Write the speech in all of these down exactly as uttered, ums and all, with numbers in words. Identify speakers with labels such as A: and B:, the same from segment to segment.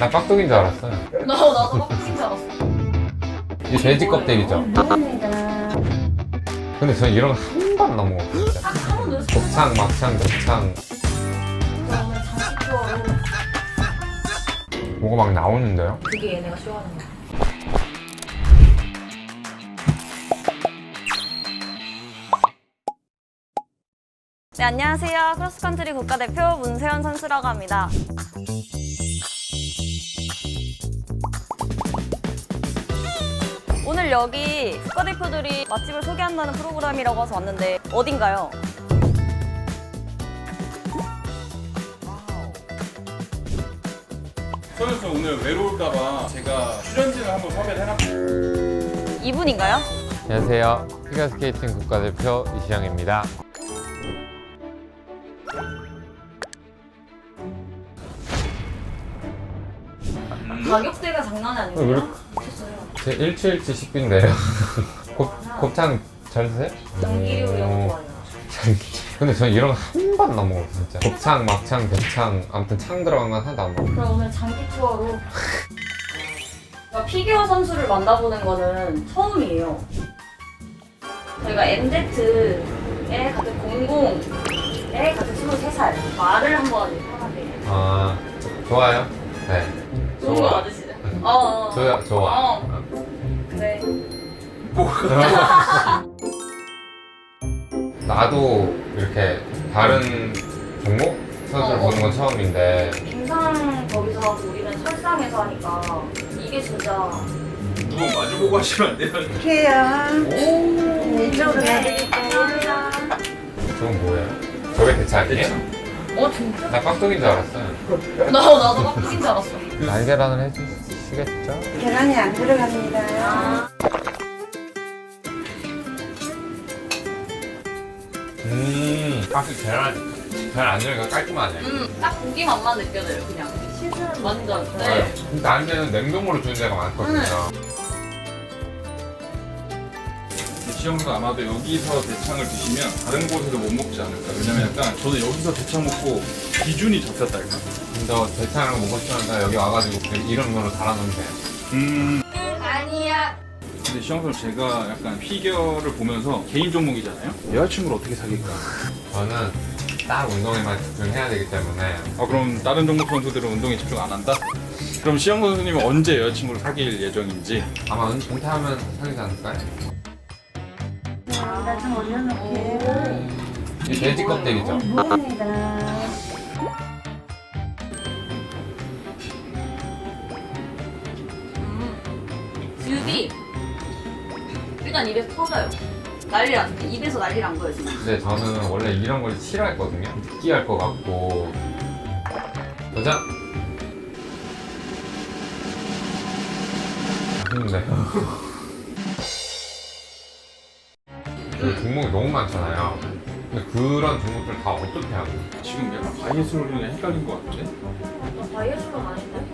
A: 나 깍두기인 줄 알았어요.
B: 나, 나도 깍두기인 줄 알았어.
A: 이 돼지 껍데기죠? 근데 전 이런 거 한 번 넘어 진짜.
B: 한, 한 번도 했어.
A: 곱창, 막창, 곱창
B: 그러면 장식 투어로.
A: 뭐가 막 나오는데요?
B: 그게 얘네가 싫어하는 거야.
C: 네, 안녕하세요. 크로스컨트리 국가대표 문세현 선수라고 합니다. 오늘 여기 국가대표들이 맛집을 소개한다는 프로그램이라고 해서 왔는데 어딘가요?
D: 선수 오늘 외로울까봐 제가 출연진을 한번 섭외를 해놨고
C: 이분인가요?
A: 안녕하세요. 피겨스케이팅 국가대표 이시영입니다.
B: 가격대가 장난이
A: 왜
B: 아니에요?
A: 그렇게-
B: 미쳤어요.
A: 제 일주일치 식비인데요. 곱, 곱창 잘 드세요?
B: 장기류 이런
A: 오.
B: 거 좋아해요.
A: 근데 전 이런 거 한 번 넘어 진짜. 곱창, 막창, 대창 아무튼 창 들어간 건 하나도 안 먹어.
B: 그럼 오늘 장기 투어로. 그러니까 피겨 선수를 만나보는 거는 처음이에요. 저희가 엠제트에 같은 공공에 같은 스물세 살 말을 한번 편하게.
A: 아 좋아요. 네.
B: 좋은 거 맞으시죠? 어, 어.
A: 좋아 좋아.
B: 어. 그래.
A: 나도 이렇게 다른 종목 선수를
B: 어,
A: 보는 건
B: 어.
A: 처음인데
B: 빙상 거기서 하고 우리는 설상에서 하니까 이게 진짜.
D: 두 번 마주보고 하시면 안 돼요?
E: 이렇게요. 이쪽으로 가드릴게요.
A: 저건 뭐예요? 저게 대창이에요?
B: 어 진짜?
A: 나 깍두기인 줄 알았어요.
B: 나 나도 깍두기인 줄 알았어.
A: 날계란을 해주시겠죠?
E: 계란이 안 들어갑니다.
B: 아.
A: 음, 확실히 계란 계란 안 들어가 깔끔하네.
B: 음, 딱 고기 맛만 느껴져요 그냥. 시즌 완전.
A: 네.
B: 네.
A: 근데 아니면 냉동으로 주는 데가 많거든요.
D: 지영도 아마도 여기서 대창을 드시면 다른 곳에서 못 먹지 않을까. 왜냐면 약간 저는 여기서 대창 먹고 기준이 잡혔달까.
A: 근데 대창을 먹고 싶으면 여기 와가지고 그 이름으로 달아놓으면 돼요.
D: 음.
B: 아니야.
D: 근데 시영 선수 제가 약간 피겨를 보면서 개인 종목이잖아요. 여자친구를 어떻게 사귈까?
A: 저는 딱 운동에만 집중해야 되기 때문에
D: 아 그럼 다른 종목 선수들은 운동에 집중 안 한다? 그럼 시영 선수님은 언제 여자친구를 사귈 예정인지?
A: 아마 은, 은퇴하면 사귀지 않을까요?
E: 나 좀 올려놓게.
A: 이 돼지 껍데기죠?
E: 무입니다.
B: 즙이 일단 입에서 터져요. 난리 안 돼. 입에서 난리 난 거예요 지금.
A: 근데 저는 원래 이런 걸 싫어했거든요. 느끼할 것 같고. 도전! 맛있는데. 그 종목이 너무 많잖아요. 근데 그런 종목들 다 어떻게 하고?
D: 지금 약간 바이애스로는 헷갈린 것 같은데?
B: 나 바이애스로는 아닌데?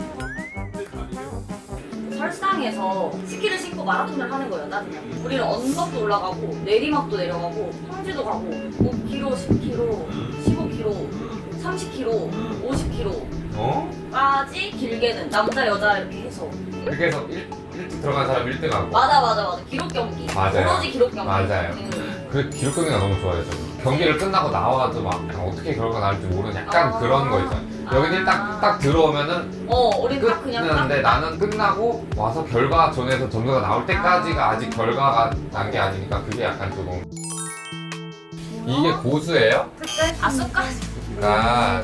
B: 설상에서 스키를 신고 마라톤을 하는 거예요 나중에. 우리는 언덕도 올라가고 내리막도 내려가고 평지도 가고 오 킬로미터, 십 킬로미터, 십오 킬로미터, 삼십 킬로미터, 오십 킬로미터까지
A: 어?
B: 길게는 남자 여자 이렇게 해서.
A: 그렇게 해서 일, 일찍 들어간 사람 일 등 하고.
B: 맞아 맞아 맞아. 기록 경기.
A: 맞아요.
B: 오로지 기록 경기.
A: 맞아요.
B: 음.
A: 그 기록 경기가 너무 좋아요. 저는. 경기를 끝나고 나와도 막 약간 어떻게 결과가 나올지 모르는 약간
B: 아.
A: 그런 거 있잖아요. 여기는 딱, 딱 들어오면은
B: 어 우리 딱 그냥 딱.
A: 끝났는데 나는 끝나고 와서 결과 전에서 점수가 나올 때까지가 아직 결과가 난 게 아니니까 그게 약간 조금. 이게 고수예요?
B: 아 쑥까지.
A: 아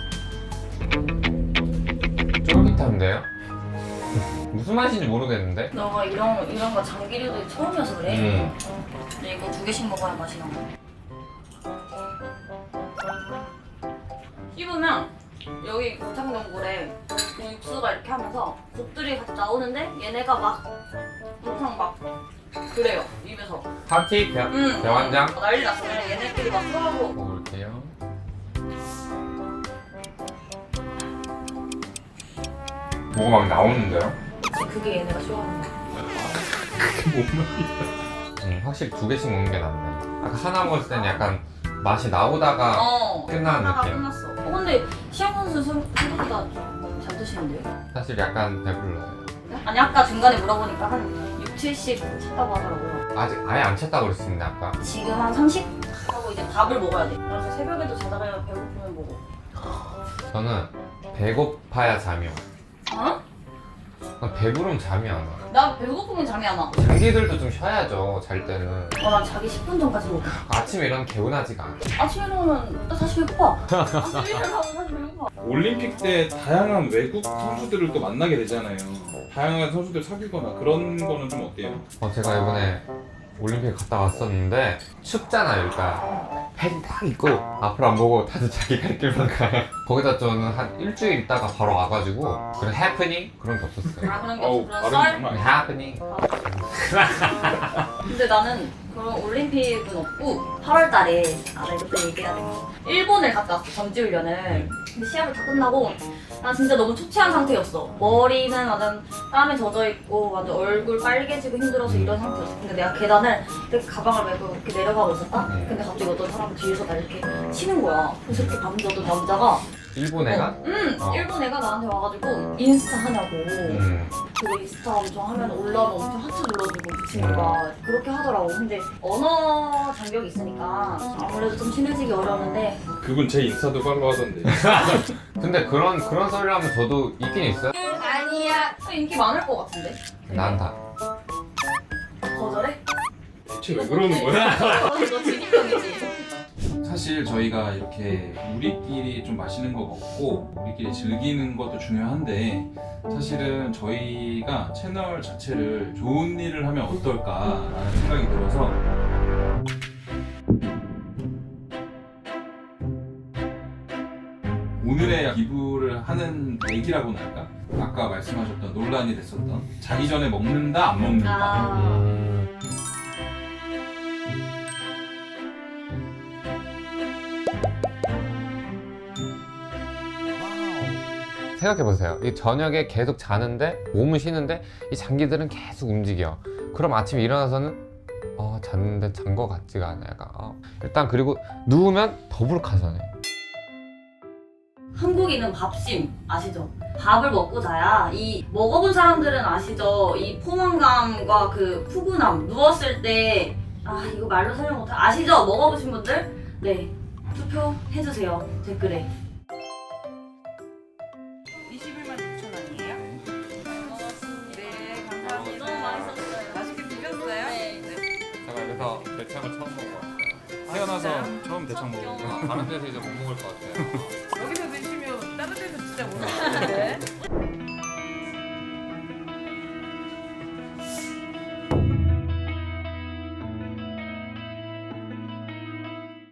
A: 쫄깃한데요? 무슨 맛인지 모르겠는데?
B: 너가 이런 이런 거 장기류도 처음이어서 그래.
A: 음.
B: 근데 이거 두 개씩 먹어야 맛이 나. 씹으면 여기 고창전골에 그 육수가 이렇게 하면서 곱들이 같이 나오는데 얘네가 막 엄청 막 그래요 입에서.
A: 파티? 대,
B: 음.
A: 대환장?
B: 난리 났어. 그냥 얘네끼리 막 서로.
A: 먹을게요. 뭐가 막 나오는데요?
B: 그게 얘네가 좋아하는 거야.
D: 그게 뭔 말이야?
A: 음, 확실히 두 개씩 먹는 게 낫네. 아까 하나 먹었을 때는 약간 맛이 나오다가
B: 어.
A: 끝나는
B: 하나가
A: 느낌.
B: 끝났어. 어, 근데 시영 선수 생- 생각보다 좀 잘 드시네. 드시는데요?
A: 사실 약간 배불러요.
B: 아니 아까 중간에 물어보니까 한 육, 칠십 찼다고 하더라고요.
A: 아직 아예 안 찼다고 그랬습니다 아까.
B: 지금 한 삼십? 하고 이제 밥을 먹어야 돼. 그래서 새벽에도 자다가 배고프면 먹어.
A: 저는 배고파야 잠이 와.
B: 어?
A: 난 배부르면 잠이 안 와.
B: 나 배고프면 잠이 안 와.
A: 장기들도 좀 쉬어야죠 잘 때는.
B: 어, 난 자기 십 분 전까지 먹어.
A: 아침에 일어나면 개운하지가 않아.
B: 아침에 일어나면 나 다시 배고파. 아침에 일어나면 다시 배고파.
D: 올림픽 때 다양한 외국 선수들을 또 만나게 되잖아요. 다양한 선수들 사귀거나 그런 거는 좀 어때요?
A: 어, 제가 이번에 올림픽 갔다 왔었는데 춥잖아요 일단. 팬이 딱 있고 앞을 안 보고 다들 자기 갈 길만 가요. 거기다 저는 한 일주일 있다가 바로 와가지고 그런 해프닝 그런 게 없었어요.
B: 아 그런 게
D: 어우,
B: 없어. 그런
D: 발음이
B: 썰?
D: 정말
A: 해프닝.
B: 근데 나는 그런 올림픽은 없고 팔월 달에 아 나 이것도 얘기해야 돼. 일본을 갔다 왔어 전지훈련을. 근데 시합을 다 끝나고 난 진짜 너무 초췌한 상태였어. 머리는 완전 땀에 젖어 있고 완전 얼굴 빨개지고 힘들어서 이런 상태였어. 근데 내가 계단을 이렇게 가방을 메고 이렇게 내려가고 있었다.
A: 음.
B: 근데 갑자기 어떤 사람 뒤에서 나 이렇게 치는 거야. 그래서 이렇게 밤새던 남자가
A: 일본 애가?
B: 어, 응
A: 어.
B: 일본 애가 나한테 와가지고 인스타 하냐고.
A: 음.
B: 그거 인스타 엄청 하면 올라오면 엄청 하트 눌러주고 그 친구가 그렇게 하더라고. 근데 언어 장벽이 있으니까 아무래도 좀 친해지기 어려웠는데
D: 그분 제 인스타도 팔로우 하던데.
A: 근데 그런 그런 소리를 하면 저도 있긴 있어요.
B: 아니야 인기 많을 것 같은데.
A: 난 다.
B: 거절해?
D: 대체 왜 그러는 거야?
B: 너 진입병이지.
D: 사실 저희가 이렇게 우리끼리 좀 마시는 거 먹고 우리끼리 즐기는 것도 중요한데 사실은 저희가 채널 자체를 좋은 일을 하면 어떨까라는 생각이 들어서 오늘의 기부를 하는 얘기라고나 할까? 아까 말씀하셨던 논란이 됐었던 자기 전에 먹는다 안 먹는다.
B: 아
A: 음. 생각해보세요. 이 저녁에 계속 자는데 몸은 쉬는데 이 장기들은 계속 움직여. 그럼 아침에 일어나서는 어 잤는데 잔 거 같지가 않아. 약간 어. 일단 그리고 누우면 더부룩하잖아요.
B: 한국인은 밥심 아시죠? 밥을 먹고 자야 이 먹어본 사람들은 아시죠? 이 포만감과 그 푸근함 누웠을 때 아 이거 말로 설명 못해 아시죠? 먹어보신 분들? 네 투표해주세요 댓글에.
E: 이십일만 육천 원이에요? 네, 감사합니다.
B: 너무 맛있었어요.
E: 맛있게 드셨어요?
B: 네.
A: 제가 여기서 대창을 처음 먹어봤어요.
D: 태어나서 처음 대창 먹은 거.
A: 다른 데서 이제 못 먹을 것 같아요.
E: 여기서 드시면 다른 데서 진짜 못 드시는데?